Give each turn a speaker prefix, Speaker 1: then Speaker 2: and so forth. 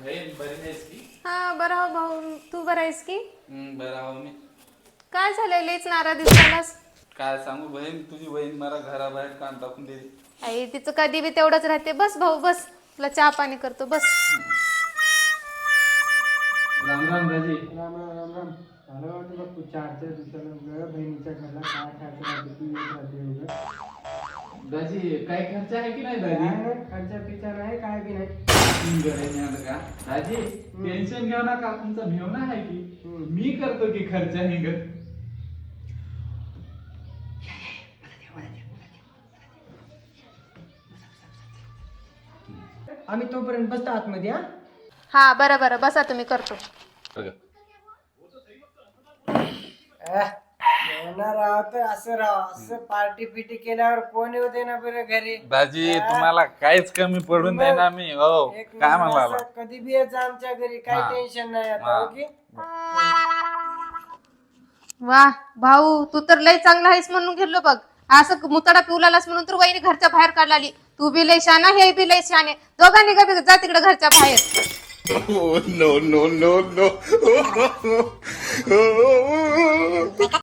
Speaker 1: बरी आहेस की?
Speaker 2: हा बरं हो भाऊ, तू बरं आहेस की?
Speaker 1: बरं आहो मी.
Speaker 2: काय झालंय, लईच नाराज दिसतानास.
Speaker 1: काय सांगू बहीण, तुझी बहीण मला घराबाहेर कान टाकून दिली.
Speaker 2: आई तिचं कधी बी तेवढंच राहते. बस भाऊ बस, तुला चहा पाणी करतो बस.
Speaker 1: राम राम दाजी.
Speaker 3: राम राम राम राम. झालं वाटतं बघ तू 4 दिवसानं बहिणीच्या घरला काय खायचं राहते तू येत राहते उगं.
Speaker 1: दाजी काय खर्च आहे की नाही
Speaker 3: काय
Speaker 1: दाजी?
Speaker 3: नाही खर्चा पिचा नाही काय बी नाही.
Speaker 1: का दाजी टेन्शन घेऊ नका, तुमचा मेवना आहे की मी करतो की खर्च आहे ग.
Speaker 3: आम्ही तोपर्यंत बसतो आतमध्ये हा.
Speaker 2: हा बरं बरं बसा, तुम्ही करतो.
Speaker 3: राव तर असं राव असं पार्टी पिटी केल्यावर कोण येऊ दे ना बरं घरी.
Speaker 1: दाजी तुम्हाला काहीच कमी पडून देणार मी. हो
Speaker 3: एक
Speaker 1: काय
Speaker 3: नंबर
Speaker 1: म्हणाला?
Speaker 3: असं कधी बी यायचं आमच्या घरी, काही
Speaker 1: हा.
Speaker 3: टेन्शन नाही आता.
Speaker 1: हा.
Speaker 3: ओके
Speaker 2: वा भाऊ, तू तर लई चांगला आहेस म्हणून गेलो बघ. असं मुतडा पिवलालास म्हणून तर वहिनी घरच्या बाहेर काढलाली. तू बी लई शाना, हे बी लई शाने. दोघांनी का बी जा तिकडे घरच्या बाहेर.
Speaker 4: Oh, no, no, no, no.